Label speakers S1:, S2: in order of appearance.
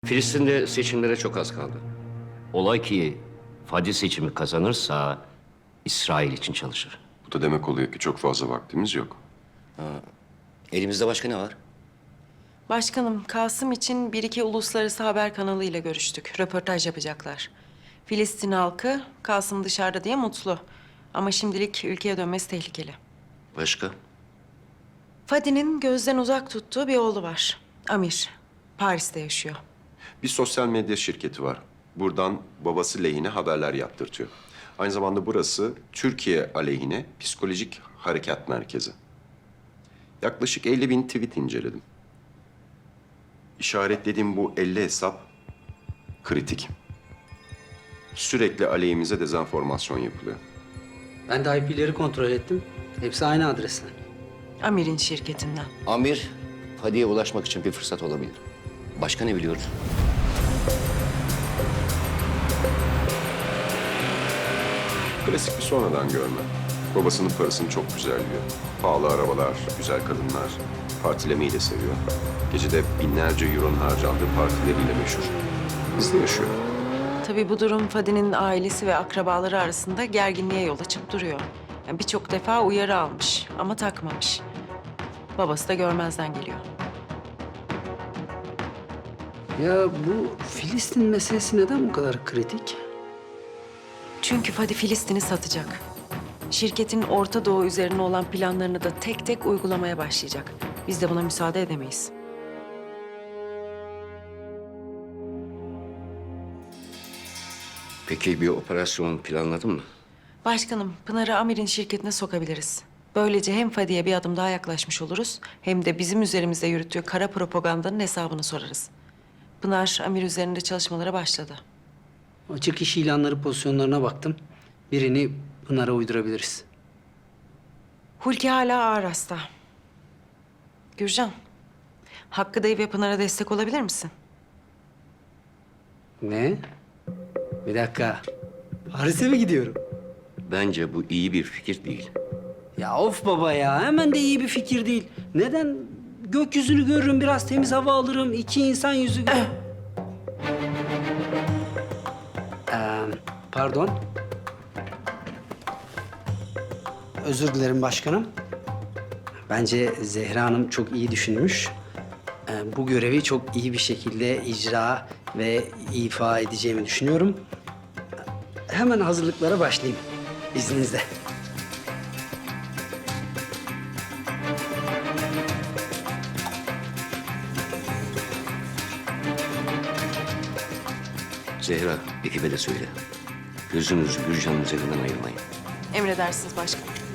S1: Filistin'de seçimlere çok az kaldı. Olay ki Fadi seçimi kazanırsa İsrail için çalışır.
S2: Bu da demek oluyor ki çok fazla vaktimiz yok.
S1: Elimizde başka ne var?
S3: Başkanım, Kasım için bir iki uluslararası haber kanalıyla görüştük. Röportaj yapacaklar. Filistin halkı Kasım dışarıda diye mutlu. Ama şimdilik ülkeye dönmesi tehlikeli.
S1: Başka?
S3: Fadi'nin gözden uzak tuttuğu bir oğlu var. Amir. Paris'te yaşıyor.
S2: Bir sosyal medya şirketi var. Buradan babası lehine haberler yaptırtıyor. Aynı zamanda burası Türkiye aleyhine psikolojik harekat merkezi. Yaklaşık 50.000 tweet inceledim. İşaretlediğim bu 50 hesap kritik. Sürekli aleyhimize dezenformasyon yapılıyor.
S4: Ben de IP'leri kontrol ettim. Hepsi aynı adresten.
S3: Amir'in şirketinden.
S1: Amir, Fadi'ye ulaşmak için bir fırsat olabilir. Başka ne biliyoruz?
S2: Klasik bir sonradan görme. Babasının parasını çok güzelliyor. Pahalı arabalar, güzel kadınlar. Partilemeyi de seviyor. Gecede binlerce euronun harcandığı partileriyle meşhur. Hızlı yaşıyor.
S3: Tabii bu durum Fadi'nin ailesi ve akrabaları arasında gerginliğe yol açıp duruyor. Yani birçok defa uyarı almış ama takmamış. Babası da görmezden geliyor.
S4: Ya bu Filistin meselesi neden bu kadar kritik?
S3: Çünkü Fadi Filistin'i satacak. Şirketin Orta Doğu üzerine olan planlarını da tek tek uygulamaya başlayacak. Biz de buna müsaade edemeyiz.
S1: Peki bir operasyon planladın mı?
S3: Başkanım, Pınar'ı Amir'in şirketine sokabiliriz. Böylece hem Fadi'ye bir adım daha yaklaşmış oluruz... hem de bizim üzerimizde yürüttüğü kara propagandanın hesabını sorarız. Pınar, Amir üzerinde çalışmalara başladı.
S4: Açık iş ilanları pozisyonlarına baktım. Birini Pınar'a uydurabiliriz.
S3: Hulki hala ağır hasta. Gürcan, Hakkı dayı ve Pınar'a destek olabilir misin?
S4: Ne? Bir dakika. Paris'e mi gidiyorum?
S1: Bence bu iyi bir fikir değil.
S4: Ya of baba ya. Hemen de iyi bir fikir değil. Neden? Gökyüzünü görürüm, biraz temiz hava alırım. İki insan yüzü... Pardon. Özür dilerim başkanım. Bence Zehra Hanım çok iyi düşünmüş. Bu görevi çok iyi bir şekilde icra ve ifa edeceğimi düşünüyorum. Hemen hazırlıklara başlayayım izninizle.
S1: Zehra, ekibe de söyle. Gözünüzü Gürcan'ın üzerinden ayırmayın.
S3: Emredersiniz başkanım.